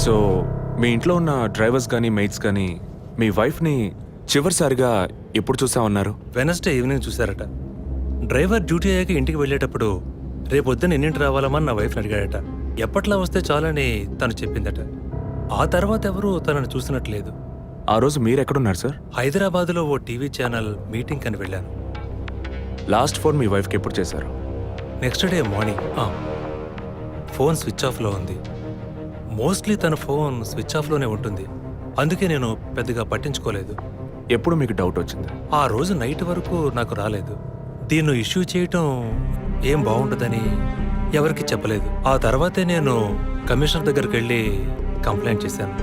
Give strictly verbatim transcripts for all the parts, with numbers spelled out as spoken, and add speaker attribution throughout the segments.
Speaker 1: So మీ ఇంట్లో ఉన్న drivers కానీ మెయిట్స్ కానీ మీ వైఫ్ని చివరిసారిగా ఎప్పుడు చూసా ఉన్నారు?
Speaker 2: వెనస్డే ఈవినింగ్ చూశారట. డ్రైవర్ డ్యూటీ అయ్యాక ఇంటికి వెళ్ళేటప్పుడు రేపొద్దున ఎన్నింటి రావాలమని నా వైఫ్ని అడిగాడట. ఎప్పట్లా వస్తే చాలని తను చెప్పిందట. ఆ తర్వాత ఎవరూ తనను చూసినట్లేదు.
Speaker 1: ఆ రోజు మీరు ఎక్కడున్నారు సార్?
Speaker 2: హైదరాబాద్లో ఓ టీవీ ఛానల్ మీటింగ్ అని వెళ్ళాను.
Speaker 1: లాస్ట్ ఫోన్ మీ వైఫ్కి ఎప్పుడు చేశారు?
Speaker 2: Next day morning. Phone switch ఆఫ్లో ఉంది. మోస్ట్లీ తన ఫోన్ స్విచ్ ఆఫ్లోనే ఉంటుంది. అందుకే నేను పెద్దగా పట్టించుకోలేదు.
Speaker 1: ఎప్పుడు మీకు డౌట్ వచ్చింది?
Speaker 2: ఆ రోజు నైట్ వరకు నాకు రాలేదు. దీన్ని ఇష్యూ చేయటం ఏం బాగుంటుందని ఎవరికి చెప్పలేదు. ఆ తర్వాతే నేను కమిషనర్ దగ్గరికి వెళ్ళి కంప్లైంట్ చేశాను.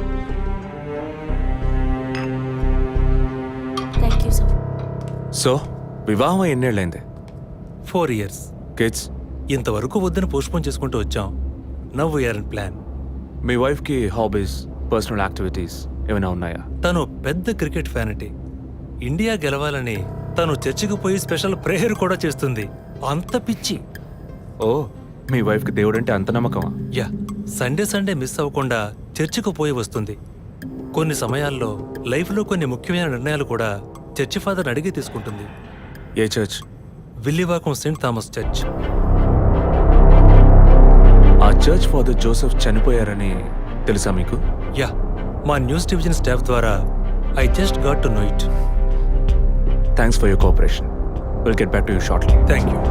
Speaker 3: Thank you sir.
Speaker 1: సో వివాహం ఎన్నేళ్ళైంది?
Speaker 2: Four years.
Speaker 1: కిడ్స్?
Speaker 2: ఇంతవరకు వద్దని పోస్ట్పోన్ చేసుకుంటూ వచ్చాం. Now we're in plan.
Speaker 1: మీ వైఫ్కి హాబీస్, పర్సనల్ యాక్టివిటీస్ ఏమైనా ఉన్నాయా?
Speaker 2: తను పెద్ద క్రికెట్ ఫ్యానిటీ. ఇండియా గెలవాలని తను చర్చికి పోయి స్పెషల్ ప్రేయర్ కూడా చేస్తుంది. అంత పిచ్చి.
Speaker 1: ఓ, మీ వైఫ్కి దేవుడు అంటే అంత నమ్మకమా?
Speaker 2: యా, సండే సండే మిస్ అవ్వకుండా చర్చికి పోయి వస్తుంది. కొన్ని సమయాల్లో లైఫ్లో కొన్ని ముఖ్యమైన నిర్ణయాలు కూడా చర్చి ఫాదర్ అడిగి తీసుకుంటుంది.
Speaker 1: ఏ church?
Speaker 2: Villivakkam Saint Thomas church.
Speaker 1: ఆ చర్చ్ ఫాదర్ జోసెఫ్ చనిపోయారని తెలుసా మీకు?
Speaker 2: యా, మా న్యూస్ డివిజన్ స్టాఫ్ ద్వారా I just got to know it.
Speaker 1: Thanks for your cooperation. Will get back to you shortly.
Speaker 2: Thank you.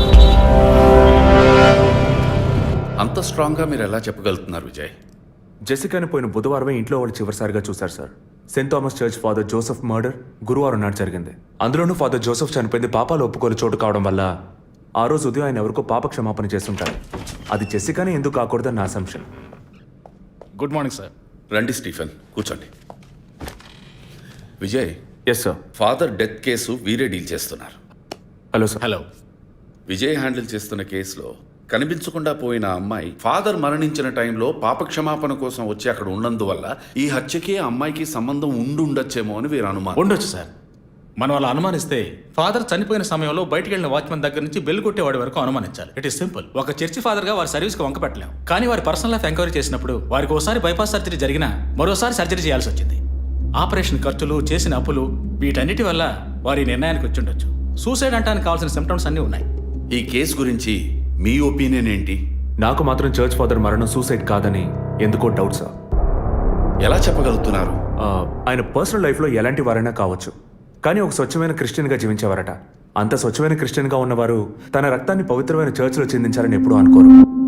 Speaker 4: అంత స్ట్రాంగ్గా మీరు ఎలా చెప్పగలుగుతున్నారు విజయ్?
Speaker 1: జెసికాని పోయిన బుధవారమే ఇంట్లో వాళ్ళు చివరిసారిగా చూశారు sir. Saint Thomas church father Joseph murder గురువారం నాడు జరిగింది. అందులోనూ ఫాదర్ జోసెఫ్ చనిపోయింది పాపాలు ఒప్పుకోలు చోటు కావడం వల్ల ఆ రోజు ఉదయం ఆయన ఎవరికో పాప క్షమాపణ చేస్తుంటారు. అది జెసికానే ఎందుకు కాకూడదని నా అసంప్షన్.
Speaker 5: Good morning sir.
Speaker 4: రండి స్టీఫెన్, కూర్చోండి. Vijay,
Speaker 1: yes sir.
Speaker 4: Father death case వీరే డీల్ చేస్తున్నారు.
Speaker 1: Hello sir.
Speaker 5: Hello.
Speaker 4: Vijay handle చేస్తున్న కేసులో కనిపించకుండా పోయిన అమ్మాయి ఫాదర్ మరణించిన టైంలో పాప క్షమాపణ కోసం వచ్చి అక్కడ ఉన్నందువల్ల ఈ హత్యకి ఆ అమ్మాయికి సంబంధం ఉండుండొచ్చేమో అని వీరు అనుమానం.
Speaker 5: ఉండొచ్చు సార్. మనం అలా అనుమానిస్తే ఫాదర్ చనిపోయిన సమయంలో బయటికి వెళ్ళిన వాచ్మెన్ దగ్గర నుంచి బెల్ కొట్టేవాడి వరకు అనుమానించాలి. It is simple. ఒక చర్చి ఫాదర్ గా వారి సర్వీస్కి వంక పెట్టలేం. కానీ వారి పర్సనల్ లైఫ్ ఎంక్వైరీ చేసినప్పుడు వారికి ఒకసారి బైపాస్ సర్జరీ జరిగినా మరోసారి సర్జరీ చేయాల్సి వచ్చింది. ఆపరేషన్ ఖర్చులు, చేసిన అప్పులు, వీటన్నిటి వల్ల వారి నిర్ణయానికి వచ్చి ఉండొచ్చు. సూసైడ్ అంటానికి కావాల్సిన సిమ్టమ్స్ అన్నీ ఉన్నాయి.
Speaker 4: ఈ కేసు గురించి మీ ఒపీనియన్ ఏంటి?
Speaker 1: నాకు మాత్రం చర్చ్ ఫాదర్ మరణం సూసైడ్ కాదని ఎందుకో డౌట్ సార్.
Speaker 4: ఎలా చెప్పగలుగుతున్నారు?
Speaker 1: ఆ, ఆయన పర్సనల్ లైఫ్లో ఎలాంటి వారైనా కావచ్చు, కానీ ఒక స్వచ్ఛమైన క్రిస్టియన్గా జీవించేవారట. అంత స్వచ్ఛమైన క్రిస్టియన్గా ఉన్నవారు తన రక్తాన్ని పవిత్రమైన చర్చ్లో చెందించారని ఎప్పుడూ అనుకోరు.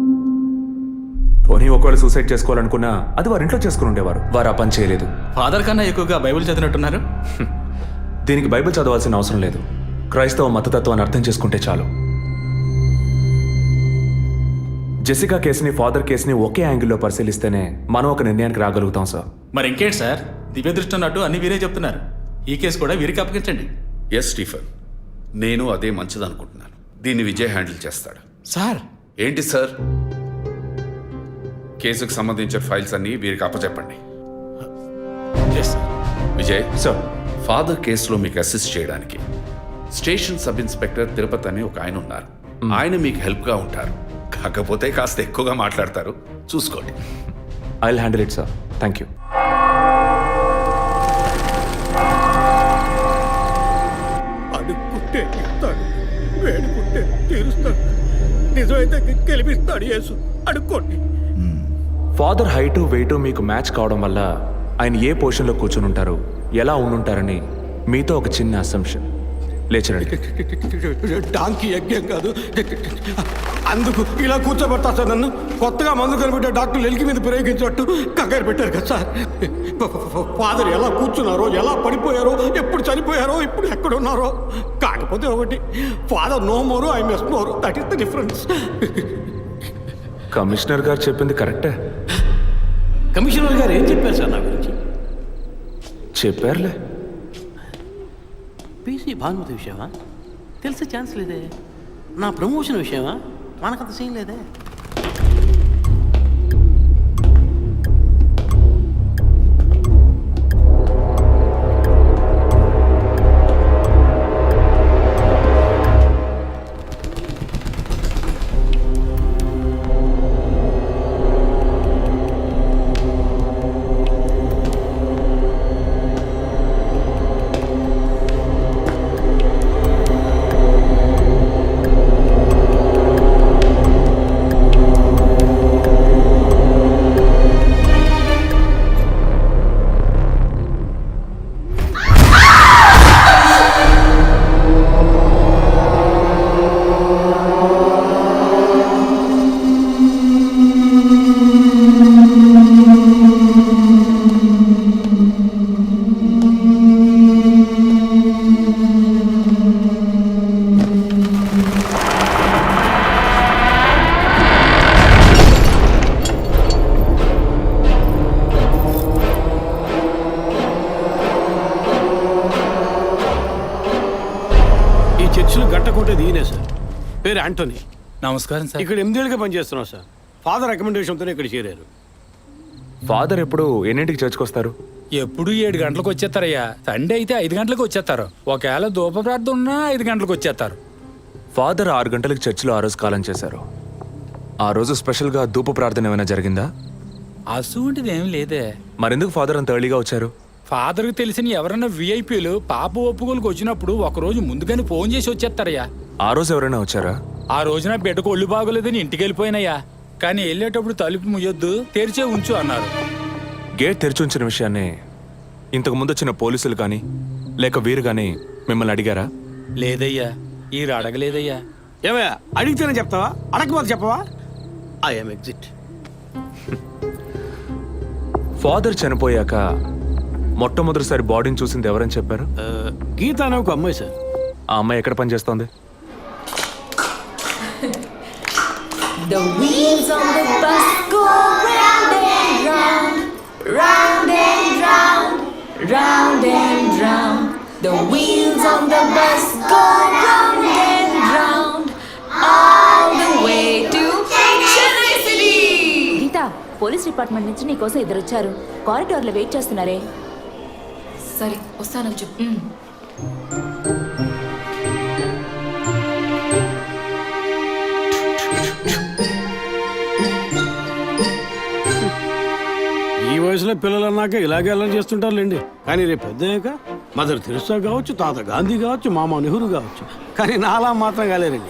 Speaker 1: పోనీ ఒకవేళ సూసైడ్ చేసుకోవాలనుకున్నా అది వారి ఇంట్లో చేసుకుని ఉండేవారు. వారు ఆ పని చేయలేదు.
Speaker 5: ఫాదర్ కన్నా ఎక్కువగా బైబిల్ చదివినట్టున్నారు.
Speaker 1: దీనికి బైబిల్ చదవాల్సిన అవసరం లేదు. క్రైస్తవ మతతత్వాన్ని అర్థం చేసుకుంటే చాలు. జెసికా కేసుని, ఫాదర్ కేసుని ఒకే యాంగిల్లో పరిశీలిస్తేనే మనం ఒక నిర్ణయానికి రాగలుగుతాం సార్.
Speaker 5: మరి ఇంకేంటి సార్, దివ్య దృష్టి ఉన్నట్టు అన్ని వీరే చెప్తున్నారు. ఈ కేసు కూడా వీరికి అప్పగించండి.
Speaker 4: ఎస్ స్టీఫెన్, నేను అదే మంచిదనుకుంటున్నాను. దీన్ని విజయ్ హ్యాండిల్ చేస్తాడు.
Speaker 5: సార్.
Speaker 4: ఏంటి సార్? కేసుకు సంబంధించిన ఫైల్స్ అన్ని వీరికి అప్పచెప్పండి. విజయ్
Speaker 1: సార్,
Speaker 4: ఫాదర్ కేసులో మీకు అసిస్ట్ చేయడానికి స్టేషన్ సబ్ ఇన్స్పెక్టర్ తిరుపతి అని ఒక ఆయన ఉన్నారు. ఆయన మీకు హెల్ప్గా ఉంటారు. కాకపోతే కాస్త ఎక్కువగా మాట్లాడతారు, చూసుకోండి.
Speaker 1: I will handle it sir. Thank you.
Speaker 6: అడుక్కుంటే ఇస్తాడు, వేడుకుంటే తీరుస్తాడు, నిజమైతే గెలిపిస్తాడు యేసు. అడుక్కోండి.
Speaker 1: ఫాదర్ హైటు వెయిటు మీకు మ్యాచ్ కావడం వల్ల ఆయన ఏ పొజిషన్లో కూర్చుని ఉంటారు, ఎలా ఉండుంటారని మీతో ఒక చిన్న అసంప్షన్. లేచరండి.
Speaker 6: డాంకీ యజ్ఞం కాదు, అందుకు ఇలా కూర్చోబెడతా సార్ నన్ను. కొత్తగా మందు కనిపెట్టే డాక్టర్లు ఎలికి మీద ప్రయోగించినట్టు కంగారు పెట్టారు కదా సార్. ఫాదర్ ఎలా కూర్చున్నారో, ఎలా పడిపోయారో, ఎప్పుడు చనిపోయారో, ఇప్పుడు ఎక్కడున్నారో. కాకపోతే ఒకటి, father no more, I mess more. That is the difference.
Speaker 1: Commissioner గారు చెప్పింది కరెక్టే.
Speaker 7: కమిషనర్ గారు ఏం చెప్పారు సార్ నా గురించి?
Speaker 1: చెప్పారులే.
Speaker 7: పీసీ భానుమతి విషయమా? తెలిసే ఛాన్స్ లేదే. నా ప్రమోషన్ విషయమా? మనకంత సీన్ లేదే.
Speaker 6: పేరు యాంటోనీ.
Speaker 5: నమస్కారం సార్.
Speaker 6: ఇక్కడ ఎనిమిదేళ్ళుగా పనిచేస్తున్నాం సార్. ఫాదర్ రికమెండేషన్తోనే ఇక్కడ చేరారు.
Speaker 1: ఫాదర్ ఎప్పుడు ఎన్నింటికి చర్చ్కి వస్తారు?
Speaker 3: ఎప్పుడు ఏడు గంటలకు వచ్చేస్తారయ్యా. సండే అయితే ఐదు గంటలకు వచ్చేస్తారు. ఒకవేళ ధూప ప్రార్థన ఉన్నా ఐదు గంటలకు వచ్చేస్తారు.
Speaker 1: ఫాదర్ ఆరు గంటలకు చర్చిలో ఆ రోజు కాలం చేశారు. ఆ రోజు స్పెషల్గా ధూప ప్రార్థన ఏమైనా జరిగిందా?
Speaker 3: అసువంటిది ఏం లేదే.
Speaker 1: మరెందుకు ఫాదర్ అంత ఎర్లీగా వచ్చారు?
Speaker 3: ఫాదర్కి తెలిసిన ఎవరైనా విఐపీలు పాప ఒప్పుకోలకు వచ్చినప్పుడు ఒక రోజు ముందుగానే ఫోన్ చేసి వచ్చేస్తారయ్యా.
Speaker 1: ఆ రోజు ఎవరైనా వచ్చారా?
Speaker 3: ఆ రోజున బిడ్డకు ఒళ్ళు బాగోలేదని ఇంటికి వెళ్ళిపోయినయ్యా. కానీ వెళ్ళేటప్పుడు తలుపు ముయ్యొద్దు, తెరిచే ఉంచు అన్నారు.
Speaker 1: గేట్ తెరిచి ఉంచిన విషయాన్ని ఇంతకు ముందు వచ్చిన పోలీసులు కానీ లేక వీరు కానీ మిమ్మల్ని అడిగారా?
Speaker 3: లేదయ్యా, ఈ అడగలేదయ్యా.
Speaker 6: ఏమయ్యా అడిగితేనే చెప్తావా, అడగకపోతే చెప్పవా? I'm exit.
Speaker 1: ఫాదర్ చనిపోయాక మొట్టమొదటిసారి బాడీని చూసింది ఎవరని చెప్పారు?
Speaker 6: గీత అనే ఒక అమ్మాయి సార్.
Speaker 1: ఆ అమ్మాయి ఎక్కడ పనిచేస్తోంది?
Speaker 8: The wheels on the bus go round and round, round and round, round and round. The wheels on the bus go round and round, all the way to Chennai City.
Speaker 9: Geetha, police department నుంచి నీకోసం ఇద్దరు వచ్చారు. కారిడార్లో wait చేస్తున్నారే.
Speaker 8: సరే వస్తానని చెప్పు.
Speaker 6: ఈ వయసులో పిల్లలు అన్నాక ఇలాగే అలా చేస్తుంటారులేండి. కానీ రేపు పెద్దయ్యాక మదర్ తెరిసా కావచ్చు, తాత గాంధీ కావచ్చు, మామ నెహ్రూ కావచ్చు. కానీ నాలా మాత్రం కాలేరండి.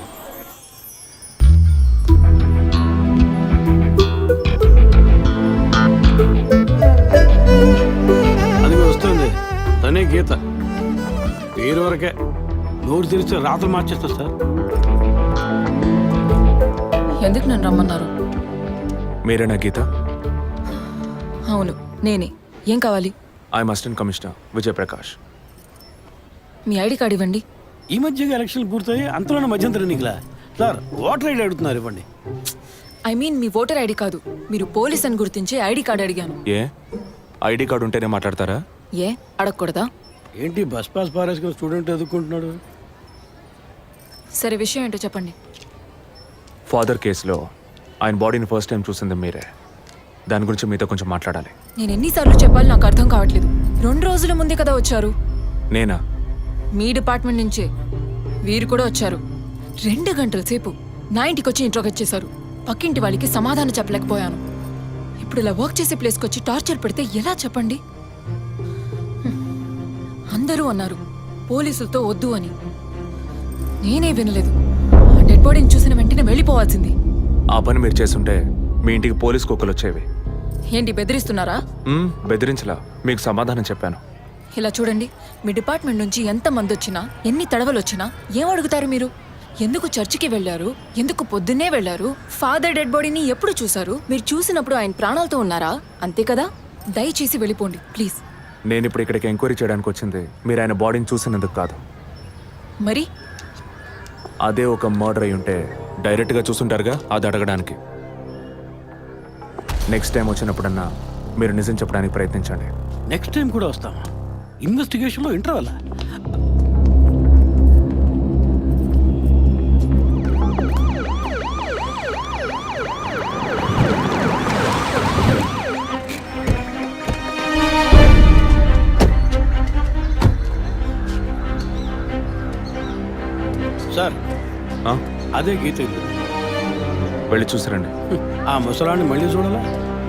Speaker 6: అది వస్తుంది తనే గీత. పేరు వరకే, నోరు తెరిస్తే రాత్రి మార్చేస్తా సార్.
Speaker 8: ఎందుకు నన్ను రమ్మన్నారు?
Speaker 1: మీరేనా గీత?
Speaker 8: అవును నేనే. ఏం కావాలి?
Speaker 1: I'm assistant commissioner Vijayaprakash.
Speaker 8: మీ ఐడి కార్డ్ ఇవ్వండి.
Speaker 6: ఈ మధ్యగా ఎలక్షన్లు పూర్తయి అంతలోనే మధ్యంతర ఎన్నికలా సార్? ఓటర్ ఐడి అడుగుతున్నారు, ఇవ్వండి.
Speaker 8: ఐ మీన్ మీ ఓటర్ ఐడి కాదు, మీరు పోలీస్ అని గుర్తించే ఐడి కార్డ్ అడిగాను.
Speaker 1: ఏ ఐడి కార్డు ఉంటేనే మాట్లాడతారా?
Speaker 8: ఏ అడగకూడదా?
Speaker 6: ఏంటి బస్ పాస్ పారేసుకుని స్టూడెంట్ ఎదుర్కొంటున్నాడు?
Speaker 8: సరే విషయం ఏంటో చెప్పండి.
Speaker 1: ఫాదర్ కేసులో ఆయన బాడీని ఫస్ట్ టైం చూసింది మీరే. దాని గురించి మీతో కొంచెం మాట్లాడాలి.
Speaker 8: నేను ఎన్నిసార్లు చెప్పాలి, నాకు అర్థం కావట్లేదు. రెండు రోజుల ముందే కదా వచ్చారు.
Speaker 1: నేనా?
Speaker 8: మీ డిపార్ట్మెంట్ నుంచే వీరు కూడా వచ్చారు. రెండు గంటల సేపు నా ఇంటికి వచ్చి ఇంట్రోగేట్ చేశారు. పక్కింటి వాళ్ళకి సమాధానం చెప్పలేకపోయాను. ఇప్పుడు ఇలా వర్క్ చేసే ప్లేస్కి వచ్చి టార్చర్ పెడితే ఎలా చెప్పండి? హ్మ్. అందరూ అన్నారు పోలీసులతో వద్దు అని. నేనే వినలేదు. ఆ డెడ్ బాడీని చూసిన వెంటనే వెళ్ళిపోవాల్సింది.
Speaker 1: ఆ పని మీరు చేస్తుంటే మీ ఇంటికి పోలీస్ కుక్కలు వచ్చేవి.
Speaker 8: ఏంటి బెదిరిస్తున్నారా?
Speaker 1: మ్మ్, బెదిరించలా, మీకు సమాధానం చెప్పాను.
Speaker 8: ఇలా చూడండి, మీ డిపార్ట్మెంట్ నుంచి ఎంత మంది వచ్చినా, ఎన్ని తడవలు వచ్చినా ఏం అడుగుతారు మీరు? ఎందుకు చర్చికి వెళ్ళారు? ఎందుకు పొద్దున్నే వెళ్ళారు? ఫాదర్ డెడ్ బాడీని ఎప్పుడు చూశారు? మీరు చూసినప్పుడు ఆయన ప్రాణాలతో ఉన్నారా? అంతే కదా. దయచేసి వెళ్ళిపోండి ప్లీజ్.
Speaker 1: నేను ఇప్పుడు ఇక్కడికి ఎంక్వైరీ చేయడానికి వచ్చింది మీరు ఆయన బాడీని చూసినందుకు కాదు.
Speaker 8: మరి
Speaker 1: అదే ఒక మర్డర్ అయి ఉంటే డైరెక్ట్గా చూసుంటారుగా, అది అడగడానికి. నెక్స్ట్ టైం వచ్చినప్పుడన్నా మీరు నిజం చెప్పడానికి ప్రయత్నించండి.
Speaker 6: నెక్స్ట్ టైం కూడా వస్తామా? ఇన్వెస్టిగేషన్లో ఇంటర్వల్. సార్
Speaker 1: ఆ?
Speaker 6: అదే గీత ఇల్లు.
Speaker 1: వెళ్ళి చూసిరండి.
Speaker 6: ఆ ముసలాన్ని మళ్ళీ చూడాలా?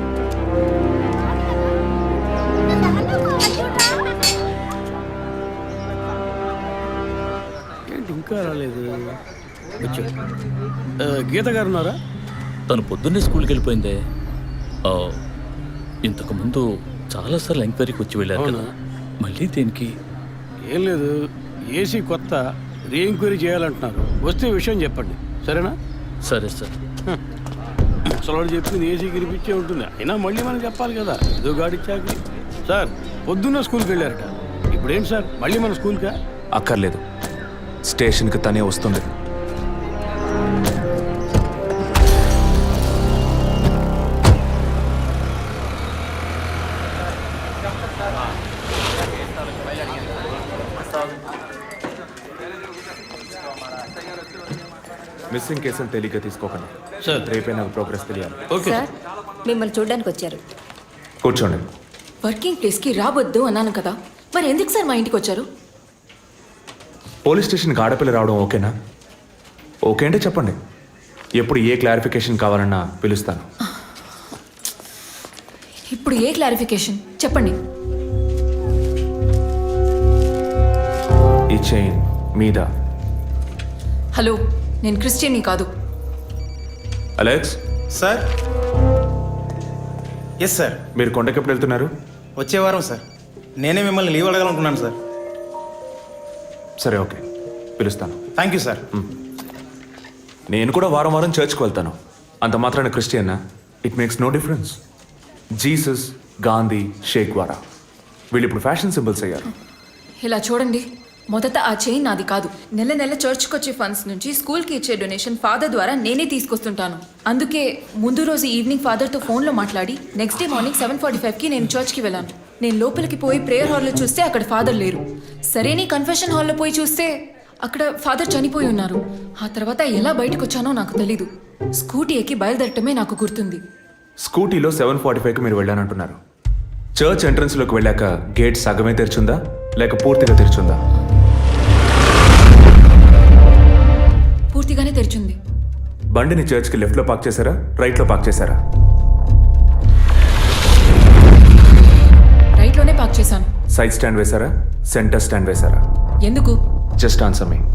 Speaker 6: ఏంటి ఇంకా రాలేదు? వచ్చా. ఆ, గీత గారు ఉన్నారా?
Speaker 10: తను పొద్దున్నే స్కూల్కి వెళ్ళిపోయిందే. ఆ, ఇంతకు ముందు చాలాసార్లు ఎంక్వైరీకి వచ్చి వెళ్ళారు కదా, మళ్ళీ దేనికి?
Speaker 6: ఏం లేదు, ఏసీ కొత్త రీ ఎంక్వైరీ చేయాలంటున్నారు. వస్తే విషయం చెప్పండి, సరేనా?
Speaker 10: సరే సార్.
Speaker 6: ముసలాడు చెప్పింది ఏసీ గిరిపించే ఉంటుంది. అయినా మళ్ళీ మనం చెప్పాలి కదా, ఏదో గాడిచ్చాక. సార్ పొద్దున్న స్కూల్కి వెళ్ళారట, ఇప్పుడేంటి సార్ మళ్ళీ మన స్కూల్కా?
Speaker 1: అక్కర్లేదు, స్టేషన్కి తనే వస్తుంది. మిస్సింగ్ కేసులు తేలిగ్గా తీసుకోకండి
Speaker 7: సార్
Speaker 1: రేపే నాకు ప్రోగ్రెస్ తెలియాలి.
Speaker 7: ఓకే
Speaker 9: సార్ మిమ్మల్ని చూడడానికి వచ్చారు.
Speaker 1: కూర్చోండి.
Speaker 8: వర్కింగ్ ప్లేస్కి రావద్దు అన్నాను కదా, మరి ఎందుకు సార్ మా ఇంటికి వచ్చారు?
Speaker 1: పోలీస్ స్టేషన్కి ఆడపిల్ల రావడం ఓకేనా? ఓకే అంటే చెప్పండి. ఎప్పుడు ఏ క్లారిఫికేషన్ కావాలన్నా పిలుస్తాను.
Speaker 8: ఇప్పుడు ఏ క్లారిఫికేషన్ చెప్పండి.
Speaker 1: ఈ చైన్ మీద
Speaker 8: హలో, నేను క్రిస్టియన్ని కాదు.
Speaker 1: Alex,
Speaker 11: sir. Yes sir.
Speaker 1: మీరు కొండకి ఎప్పుడు వెళ్తున్నారు?
Speaker 11: వచ్చే వారం సార్. నేనే మిమ్మల్ని లీవ్ అడగాలనుకున్నాను సార్.
Speaker 1: సరే, ఓకే, పిలుస్తాను.
Speaker 11: Thank you sir.
Speaker 1: నేను కూడా వారం వారం చర్చ్కి వెళ్తాను. అంత మాత్రాన క్రిస్టియన్నా? It makes no difference. Jesus, Gandhi, షేక్ వారా వీళ్ళు ఇప్పుడు ఫ్యాషన్ సింబల్స్ అయ్యారు.
Speaker 8: ఇలా చూడండి, మొదట ఆ చైన్ నాది కాదు. నెల నెల చర్చ్కి వచ్చే ఫండ్స్ నుంచి స్కూల్కి ఇచ్చే డొనేషన్ ఫాదర్ ద్వారా నేనే తీసుకొస్తుంటాను. అందుకే ముందు రోజు ఈవినింగ్ ఫాదర్తో ఫోన్లో మాట్లాడి next day morning seven forty ఫైవ్కి నేను చర్చ్కి వెళ్ళాను. నేను లోపలికి పోయి ప్రేయర్ హాల్లో చూస్తే అక్కడ ఫాదర్ లేరు. సరేని కన్ఫెషన్ హాల్లో పోయి చూస్తే అక్కడ ఫాదర్ చనిపోయి ఉన్నారు. ఆ తర్వాత ఎలా బయటకు వచ్చానో నాకు తెలీదు. స్కూటీ ఎక్కి బయలుదేరటమే నాకు గుర్తుంది.
Speaker 1: స్కూటీలో సెవెన్ ఫార్టీ ఫైవ్కి మీరు వెళ్ళానంటున్నారు. చర్చ్ ఎంట్రన్స్లోకి వెళ్ళాక గేట్ సగమే తెరిచుందా లేక పూర్తిగా తెరిచుందా?
Speaker 8: పూర్తిగానే తెరిచింది.
Speaker 1: బండిని చర్చ్కి లెఫ్ట్లో పార్క్ చేశారా, రైట్లో పార్క్ చేశారా?
Speaker 8: రైట్లోనే పార్క్ చేశాను.
Speaker 1: సైడ్ స్టాండ్ వేశారా, సెంటర్ స్టాండ్ వేశారా?
Speaker 8: ఎందుకు?
Speaker 1: Just answer me.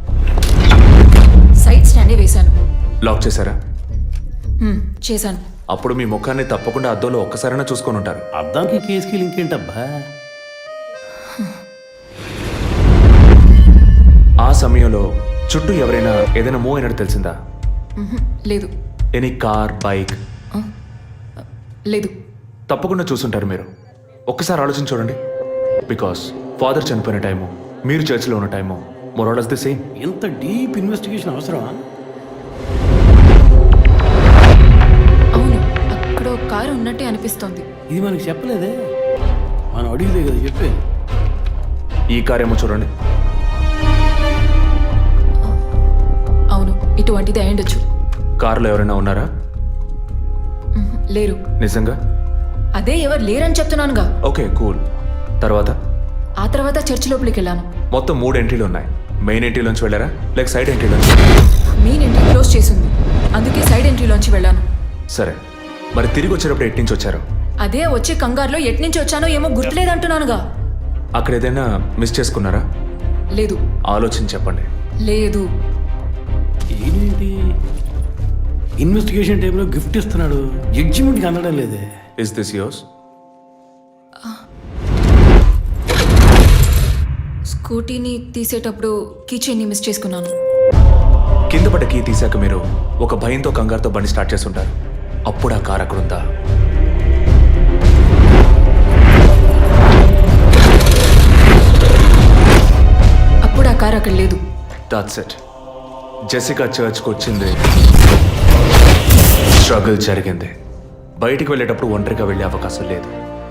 Speaker 8: సైడ్ స్టాండే వేశాను.
Speaker 1: లాక్ చేశారా?
Speaker 8: హ్మ్, చేశాను.
Speaker 1: అప్పుడు మీ ముఖాన్ని తప్పకుండా అద్దంలో ఒక్కసారైనా చూసుకొని ఉంటారు.
Speaker 7: అద్దానికి కేసుకి లింక్ ఏంటబ్బా?
Speaker 1: ఆ సమయంలో చుట్టూ ఎవరైనా ఏదైనా మూవ్ అయినట్టు తెలిసిందా?
Speaker 8: మ్హూ, లేదు.
Speaker 1: Any car, bike?
Speaker 8: లేదు.
Speaker 1: తప్పకుండా చూసుంటారు మీరు. ఒక్కసారి ఆలోచించి చూడండి. బికాస్ ఫాదర్ చనిపోయిన టైము, మీరు చర్చిలో ఉన్న టైము మోరాలస్ ది సేమ్.
Speaker 7: ఎంత డీప్ ఇన్వెస్టిగేషన్ అవసరమా?
Speaker 8: అవును, అక్కడ ఒక కారు ఉన్నట్టే అనిపిస్తోంది.
Speaker 7: ఇది మనకి చెప్పలేదే. మనం అడిగితే కదా చెప్పేది.
Speaker 1: ఈ కార్ ఏమో చూడండి.
Speaker 8: అవును, ఇటువంటిది అయ్యుండొచ్చు.
Speaker 1: కారులో ఎవరైనా ఉన్నారా?
Speaker 8: మ్హూ, లేరు.
Speaker 1: నిజంగా?
Speaker 8: అదే ఎవరు లేరని చెప్తున్నానుగా.
Speaker 1: Okay, cool. తర్వాత?
Speaker 8: ఆ తర్వాత చర్చ్ లోపలికి వెళ్ళాను.
Speaker 1: మొత్తం మూడు ఎంట్రీలు ఉన్నాయి. మెయిన్ ఎంట్రీలోంచి వెళ్ళారా లేక సైడ్ ఎంట్రీలోంచి?
Speaker 8: మెయిన్ ఎంట్రీ క్లోజ్ చేసింది, అందుకే సైడ్ ఎంట్రీలోంచి వెళ్ళాను.
Speaker 1: సరే, మరి తిరిగి వచ్చేటప్పుడు ఎట్నుంచి వచ్చారు?
Speaker 8: అదే వచ్చే కంగారులో ఎట్నుంచి వచ్చానో ఏమో గుర్తులేదంటున్నానుగా.
Speaker 1: అక్కడ ఏదైనా మిస్ చేసుకున్నారా?
Speaker 8: లేదు.
Speaker 1: ఆలోచించి చెప్పండి.
Speaker 8: లేదు.
Speaker 7: ఏంటి ఇన్వెస్టిగేషన్ టైంలో గిఫ్ట్ ఇస్తున్నాడు, జడ్జిమెంట్కి అందడం లేదే.
Speaker 1: Is this yours?
Speaker 8: స్కూటీని తీసేటప్పుడు కీచైన్ని మిస్ చేసుకున్నాను.
Speaker 1: కింద పడ్డ కీ తీశాక మీరు ఒక భయంతో కంగారుతో బండి స్టార్ట్ చేస్తుంటారు. అప్పుడు ఆ కార్ అక్కడ ఉందా?
Speaker 8: అప్పుడు ఆ కారు అక్కడ లేదు.
Speaker 1: That's it. జెసికా చర్చ్కి వచ్చింది, స్ట్రగుల్ జరిగింది. బయటికి వెళ్ళేటప్పుడు ఒంటరిగా వెళ్ళే అవకాశం లేదు.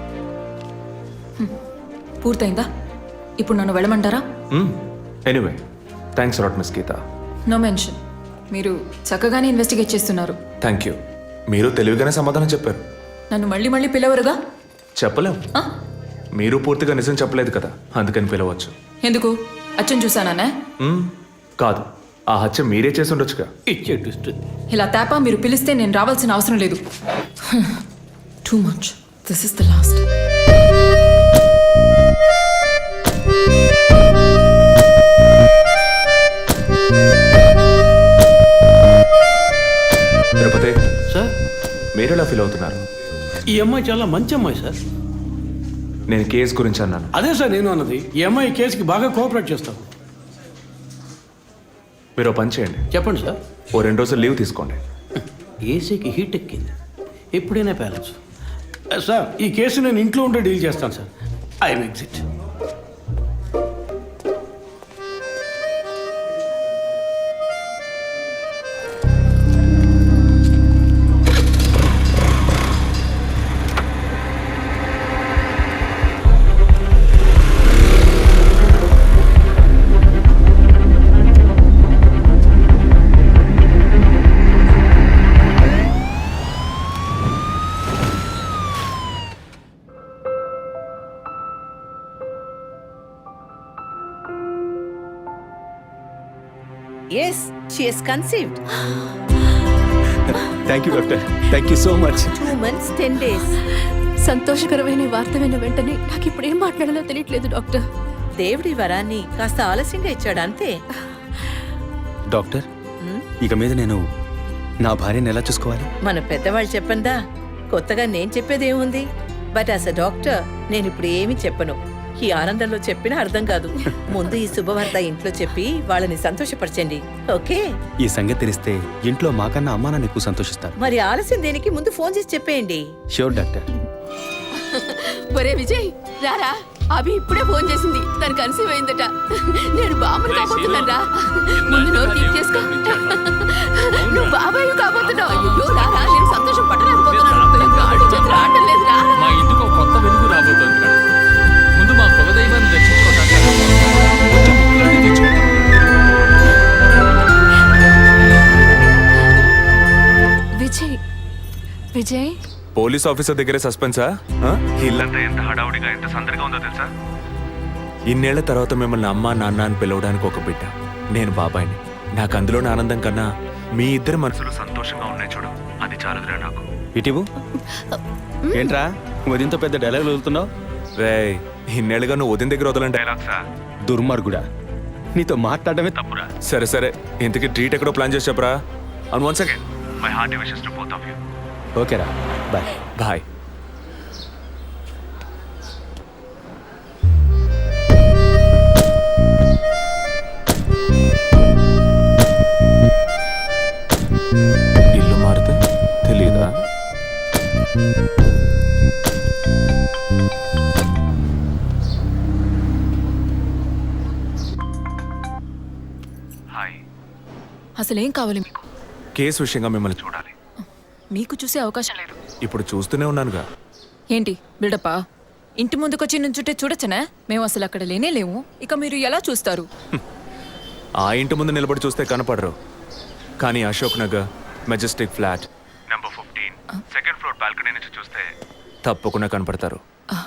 Speaker 8: పూర్తయిందా? ఇప్పుడు నన్ను వెళ్ళమంటారా?
Speaker 1: Anyway, thanks lot miss Geetha.
Speaker 8: No mention. మీరు చక్కగానే ఇన్వెస్టిగేట్ చేస్తున్నారు.
Speaker 1: Thank you. మీరు తెలివిగానే సమాధానం చెప్పారు.
Speaker 8: నన్ను మళ్ళీ మళ్ళీ పిలవరుగా?
Speaker 1: చెప్పలేం.
Speaker 8: ఆ?
Speaker 1: మీరు పూర్తిగా నిజం చెప్పలేదు కదా, అందుకని పిలవచ్చు.
Speaker 8: ఎందుకు? అచ్చం చూసానా?
Speaker 1: మ్మ్, కాదు, ఆ హత్య మీరే చేసి ఉండొచ్చుగా.
Speaker 7: ఇచ్చే ట్విస్ట్.
Speaker 8: ఇలా తేపా మీరు పిలిస్తే నేను రావాల్సిన అవసరం లేదు. Too much. This is the last.
Speaker 1: Tirupati,
Speaker 7: sir,
Speaker 1: మీరు ఎలా ఫీల్ అవుతున్నారు?
Speaker 7: ఈ అమ్మాయి చాలా మంచి అమ్మాయి సార్.
Speaker 1: నేను కేసు గురించి అన్నాను.
Speaker 7: అదే సార్ నేను అన్నది. ఈ అమ్మాయి కేసుకి బాగా కోఆపరేట్ చేస్తాం.
Speaker 1: మీరు ఓ పని చేయండి,
Speaker 7: చెప్పండి సార్.
Speaker 1: ఓ రెండు రోజులు లీవ్ తీసుకోండి.
Speaker 7: ఏసీకి హీట్ ఎక్కింది, ఎప్పుడైనా ప్యాలెన్స్. సార్, ఈ కేసు నేను ఇంట్లో ఉంటే డీల్ చేస్తాను sir. I'm exit.
Speaker 12: Yes she has conceived.
Speaker 6: Thank you doctor, thank you so much.
Speaker 12: Two months ten days.
Speaker 8: సంతోషకరమైన వార్త విన్న వెంటనే నాకు ఇప్పుడు ఏం మాట్లాడాలో తెలియట్లేదు డాక్టర్.
Speaker 12: దేవుడి వరాన్ని కాస్త ఆలస్యంగా ఇచ్చాడు అంతే.
Speaker 6: డాక్టర్, ఇక మీద నేను నా భార్యను ఎలా చూసుకోవాలి?
Speaker 12: మన పెద్దవాళ్ళు చెప్పందా, కొత్తగా నేను చెప్పేదేముంది? బట్ యాజ్ అ డాక్టర్ నేను ఇప్పుడు ఏమీ చెప్పను. ఈ ఆనందంలో చెప్పినా అర్థం కాదు. ముందు ఈ శుభవార్త ఇంట్లో చెప్పి వాళ్ళని సంతోషపరచండి, ఓకే?
Speaker 6: ఈ సంగతి తెలిస్తే ఇంట్లో మాకన్నా అమ్మా నాన్న ఎక్కువ సంతోషిస్తారు.
Speaker 12: మరి ఆలస్యం దేనికి, ముందు ఫోన్ చేసి చెప్పేయండి.
Speaker 6: Sure doctor.
Speaker 8: ఒరే విజయ్ రారా, అభి ఇప్పుడే ఫోన్ చేసింది, తను కన్సీవ్ అయిందట. నేను బాబుని కాబోతున్నాను రా. ముందు నోరు తీపి చేసుకో. నువ్వు బాబాయ్ కాబోతున్నావు. అయ్యో రారా, నేను సంతోషం పట్టలేకపోతున్నాను. ఆడు చేతులు ఆడటం లేదు రా.
Speaker 10: మా ఇంటికి ఒక కొత్త వెలుగు రాబోతోంది మేడం. ముందు మా కులదైవాన్ని దర్శించుకోవడానికి వచ్చే ముక్కులన్నీ తీర్చుకుంటాం.
Speaker 8: విజయ్ విజయ్
Speaker 1: పోలీస్ ఆఫీసర్ దగ్గరే సస్పెన్సా? ఆ? ఇల్లంతా ఎంత హడావుడిగా ఎంత సందడిగా ఉందో తెలుసా? ఇన్నేళ్ల తర్వాత మిమ్మల్ని అమ్మా నాన్న అని పిలవడానికి ఒక బిడ్డ, నేను బాబాయిని. నాకు అందులోని ఆనందం కన్నా మీ ఇద్దరు మనసులు సంతోషంగా ఉన్నాయి చూడు, అది చాలదురా నాకు.
Speaker 6: ఇటీవు ఏంట్రా ఉదయంతో పెద్ద డైలాగులు వదులుతున్నావు?
Speaker 1: రే, ఇన్నేళ్ళుగా నువ్వు ఉదయం దగ్గర వదలని డైలాగ్సా?
Speaker 6: దుర్మార్గుడా, నీతో మాట్లాడమే తప్పురా.
Speaker 1: సరే సరే, ఇంతకీ ట్రీట్ ఎక్కడో ప్లాన్ చేసి చెప్పరా? And once again my hearty wishes to both of you.
Speaker 6: ఓకేరా, బాయ్.
Speaker 1: బాయ్. ఇల్లు మారితే తెలీదా? హాయ్.
Speaker 8: అసలేం కావాలి మీకు?
Speaker 1: కేసు విషయంగా మిమ్మల్ని చూడాలి.
Speaker 8: మీకు చూసే అవకాశం లేదు.
Speaker 1: ఇప్పుడు చూస్తూనే ఉన్నానుగా.
Speaker 8: ఏంటి బిల్డప్పా? ఇంటి ముందుకొచ్చి నుంచుంటే చూడొచ్చనా? మేము అసలు అక్కడ లేనే లేము, ఇక మీరు ఎలా చూస్తారు?
Speaker 1: ఆ ఇంటి ముందు నిలబడి చూస్తే కనపడరు, కానీ Ashok Nagar Majestic flat number fifteen second floor balcony నుంచి చూస్తే తప్పకుండా కనపడతారు.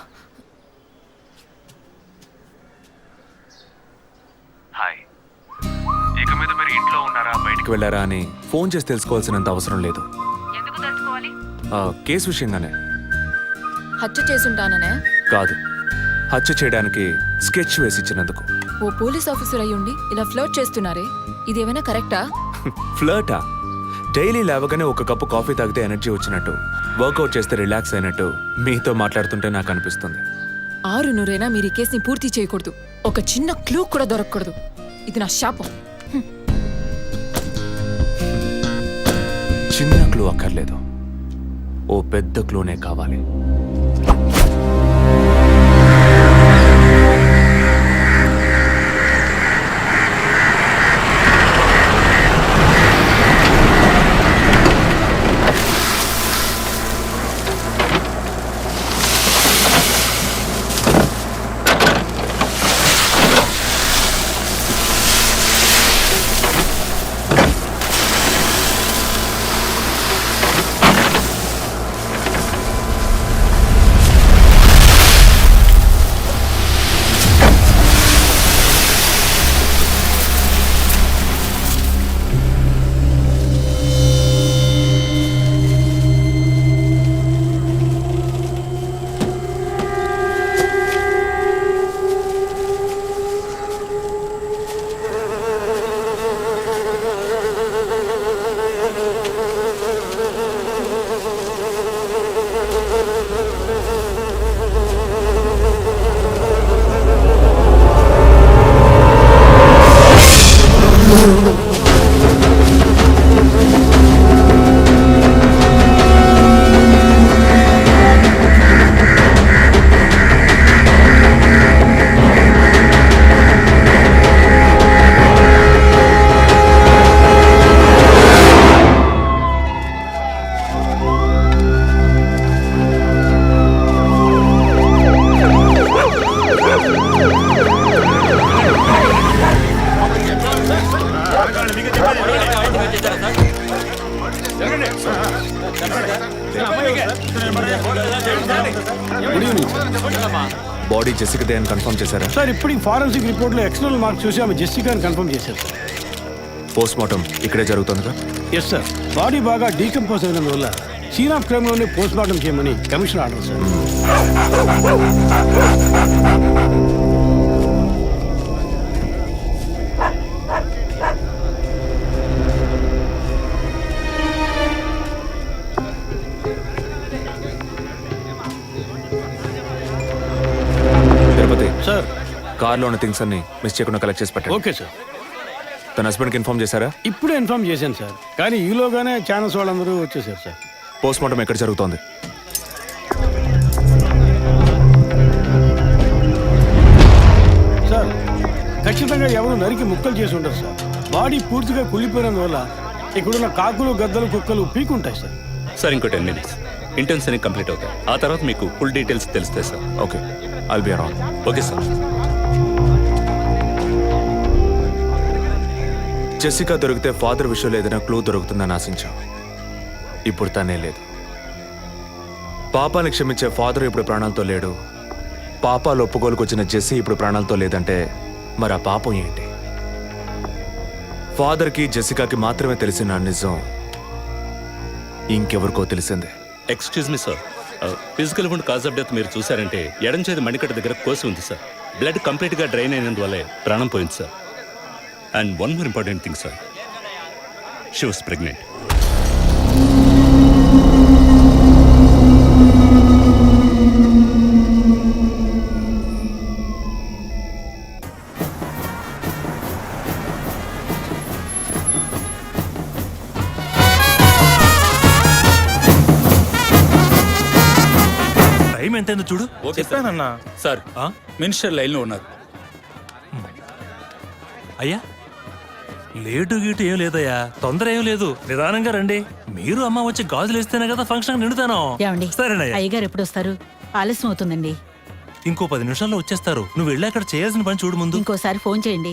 Speaker 1: హాయ్. ఇక మీద మీరు ఇంట్లో ఉన్నారా బయటికి వెళ్ళారా అని ఫోన్ చేసి తెలుసుకోవాల్సినంత అవసరం లేదు. ఆ, కేసు విషయంగానే.
Speaker 8: హత్య చేసుంటాననే
Speaker 1: కాదు, హత్య చేయడానికి స్కెచ్ వేసి ఇచ్చినందుకు.
Speaker 8: ఓ పోలీస్ ఆఫీసర్ అయ్యుండి ఇలా ఫ్లర్ట్ చేస్తున్నారే, ఇదేమైనా కరెక్టా?
Speaker 1: ఫ్లర్టా? డైలీ లేవగానే ఒక కప్పు కాఫీ తాగితే ఎనర్జీ వచ్చినట్టు, వర్కౌట్ చేస్తే రిలాక్స్ అయినట్టు మీతో మాట్లాడుతుంటే నాకు అనిపిస్తుంది.
Speaker 8: ఆరు నూరైనా మీరు ఈ కేసుని పూర్తి చేయకూడదు. ఒక చిన్న క్లూ కూడా దొరకకూడదు. ఇది నా శాపం.
Speaker 1: చిన్న క్లూ అక్కర్లేదు, ఓ పెద్ద క్లూనే కావాలి. బాడీ జెసికాదే అని కన్ఫర్మ్ చేశారా?
Speaker 6: సార్ ఇప్పుడు ఫారెన్సిక్ రిపోర్ట్లో ఎక్స్టర్నల్ మార్క్స్ చూసి ఆమె జెసికా అని కన్ఫర్మ్ చేశారు.
Speaker 1: పోస్ట్ మార్టం ఇక్కడే జరుగుతుందిగా?
Speaker 6: ఎస్ సార్, బాడీ బాగా డీకంపోజ్ అయినందువల్ల సీన్ ఆఫ్ క్రైమ్లోనే పోస్ట్ మార్టం చేయమని commission order sir.
Speaker 1: Tirupati
Speaker 6: sir
Speaker 1: కార్లో ఉన్న థింగ్స్ అన్ని మిస్ చేయకుండా కలెక్ట్ చేసి పెట్టండి.
Speaker 6: Okay sir.
Speaker 1: తన హస్బెండ్కి ఇన్ఫార్మ్ చేశారా?
Speaker 6: ఇప్పుడే ఇన్ఫార్మ్ చేశాను సార్, కానీ ఈలోగానే ఛానల్స్ వాళ్ళందరూ వచ్చేసారు సార్.
Speaker 1: పోస్ట్ మార్టం ఎక్కడ జరుగుతోంది?
Speaker 6: సార్ ఖచ్చితంగా ఎవరు నరికి ముక్కలు చేసి ఉంటారు సార్. బాడీ పూర్తిగా కుళ్ళిపోయినందువల్ల ఇక్కడున్న కాకులు గద్దలు కుక్కలు పీకుంటాయి సార్.
Speaker 10: సార్ ఇంకో టెన్ మినిట్స్ ఇంటర్న్స్ అన్ని కంప్లీట్ అవుతాయి. ఆ తర్వాత మీకు ఫుల్ డీటెయిల్స్ తెలుస్తాయి sir.
Speaker 1: Okay, I'll be around.
Speaker 10: Okay sir.
Speaker 1: Jessica దొరికితే ఫాదర్ విషయంలో ఏదైనా క్లూ దొరుకుతుందని ఆశించాం. ఇప్పుడు తనే లేదు. పాపాన్ని క్షమించే ఫాదర్ ఇప్పుడు ప్రాణాలతో లేడు. పాపాలు ఒప్పుకోలుకు వచ్చిన జెస్సీ ఇప్పుడు ప్రాణాలతో లేదంటే మరి ఆ పాపం ఏంటి? ఫాదర్కి జెసికాకి మాత్రమే తెలిసిన ఆ నిజం ఇంకెవరికో తెలిసిందే.
Speaker 10: Excuse me sir, physical wound cause of death మీరు చూసారంటే ఎడం చేతి మణికట్ట దగ్గర కోసి ఉంది సార్. బ్లడ్ కంప్లీట్గా డ్రైన్ అయినందువల్లే ప్రాణం పోయింది sir. And one more important thing sir, she was pregnant.
Speaker 2: Time ఎంతైందో చూడు.
Speaker 3: చెప్పానన్నా
Speaker 2: సార్ ఆ?
Speaker 3: మినిస్టర్ లైన్లో ఉన్నారు.
Speaker 2: అయ్యా లేటు గీటు ఏం లేదయ్యా, తొందర ఏం లేదు, నిదానంగా రండి. మీరు అమ్మ వచ్చి గాజులు వేస్తేనే కదా ఫంక్షన్ నిండుతాను. సరేనయ్యా.
Speaker 9: అయ్యగారు ఎప్పుడు వస్తారు? ఆలస్యం అవుతుందండి.
Speaker 2: ఇంకో పది నిమిషాల్లో వచ్చేస్తారు. నువ్వు వెళ్ళి అక్కడ చేయాల్సిన పని చూడు ముందు.
Speaker 9: ఇంకోసారి ఫోన్ చేయండి.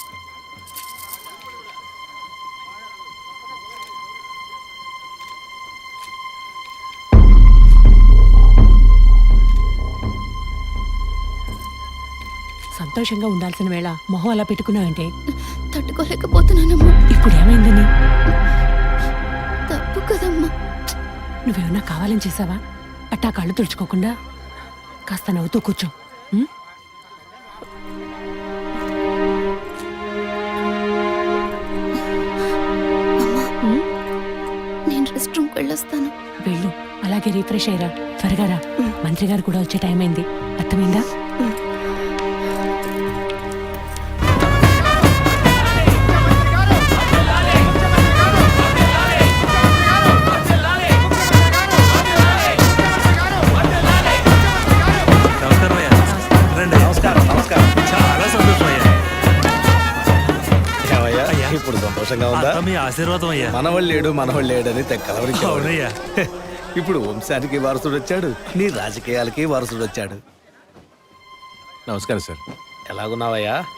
Speaker 12: సంతోషంగా ఉండాల్సిన వేళ మొహం అలా పెట్టుకున్నావంటే
Speaker 8: తట్టుకోలేకపోతున్నానమ్మా.
Speaker 12: ఇప్పుడు ఏమైందని?
Speaker 8: తప్పు కదమ్మా.
Speaker 12: నువ్వేమన్నా కావాలని చేసావా? అట్టా కళ్ళు తుడుచుకోకుండా కాస్త నవ్వుతూ కూర్చో. ఉం? ఉం?
Speaker 8: నేను రెస్ట్ రూమ్కి వెళ్ళొస్తాను.
Speaker 12: వెళ్ళు, అలాగే రీఫ్రెష్ అయ్యరా. త్వరగా రా, మంత్రి గారు కూడా వచ్చే టైం అయింది. అర్థమైందా?
Speaker 2: నమస్కారం అయ్యా. రండి. చాలా సంతోషం అయ్యా. అయ్యా,
Speaker 11: ఇప్పుడు సంతోషంగా ఉందా?
Speaker 2: అంతా మీ ఆశీర్వాదం అయ్యా.
Speaker 11: మనవాళ్ళు లేడు మనవాళ్ళు లేడని తెక్కలవరించాడు.
Speaker 2: అవునయ్యా.
Speaker 11: ఇప్పుడు వంశానికి వారసుడు వచ్చాడు, నీ రాజకీయాలకి వారసుడు వచ్చాడు.
Speaker 1: నమస్కారం సార్.
Speaker 11: ఎలాగున్నావయ్యా?